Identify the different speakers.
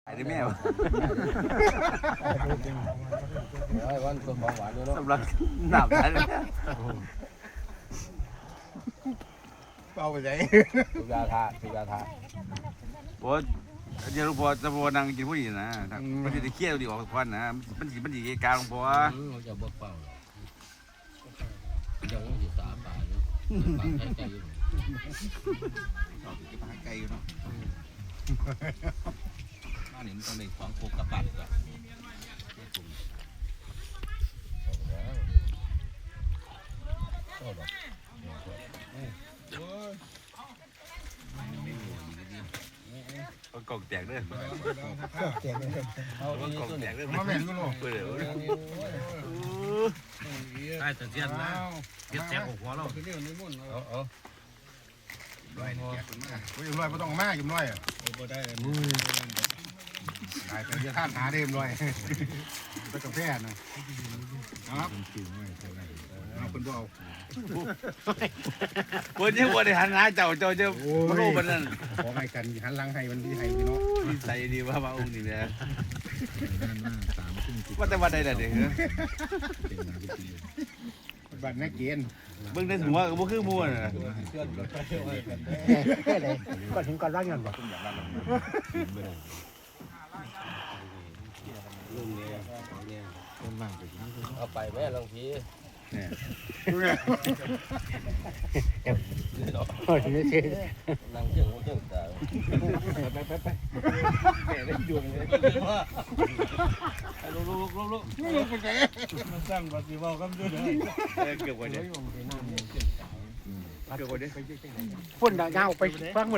Speaker 1: ไอ้แม่
Speaker 2: ไอ้วันตัวของหวานด้วยเนาะ
Speaker 1: สำหรับหนับอะไร
Speaker 3: เป่าไปไหน
Speaker 2: สุยาทาสุยาทา
Speaker 1: โอ้เดี๋ยวหลวงพ่อจะพอนั่งกินผู้หญิงนะมันจะเครียดดีออกควันนะมันดีการหลวงพ่อ
Speaker 2: เราจะบอกเปล่าจะว่าสิสาป่าอยู่ป่าไกลๆอยู่
Speaker 1: ไกลอยู่เนาะ
Speaker 2: บ้านนี้มันต้องได้ของโคกระปัดก่อน
Speaker 1: กล่องแตกเด้อ
Speaker 2: เอาดี
Speaker 1: กล่อง
Speaker 2: ตัว
Speaker 1: แต
Speaker 2: นี้
Speaker 1: กเด้อ
Speaker 3: มาแม่นกูลูก
Speaker 1: เปิดเลย
Speaker 2: ใช่แต่เสียนนะเสียนแสบหัวเราเอา
Speaker 3: ร้อยเนี่ยกูยังร้อยไม่ต้องมาอยู่ร้อยอ่ะตายไปเรียกข้ามหาเดิมร้อยไปกาแฟนะครับเอาคนบ่เอา
Speaker 1: คนที่วันนี้หันหาเจ้าจะมาลูกมันนั่น
Speaker 3: ขอให้กันหันหลังให้มันที่ให้พี่น้อง
Speaker 1: ใส่ดีว่ามาองค์นี่นะว่าแต่วันใดล่ะเด็ก
Speaker 3: บัตรนักเกณฑ์
Speaker 1: เบิ่งในหัวก็บ่คือหมู่น่ะ
Speaker 4: ก่อนถึงก่อนร่างเงินบ่
Speaker 2: เอาไปแม่ลองที
Speaker 4: โอ้ยไม่ใช่
Speaker 2: นั่งเชื่องเชื่องตา
Speaker 1: เกือบกว่านี้เกือบกว่านี้
Speaker 4: พุ่นดาวไปฟังหมด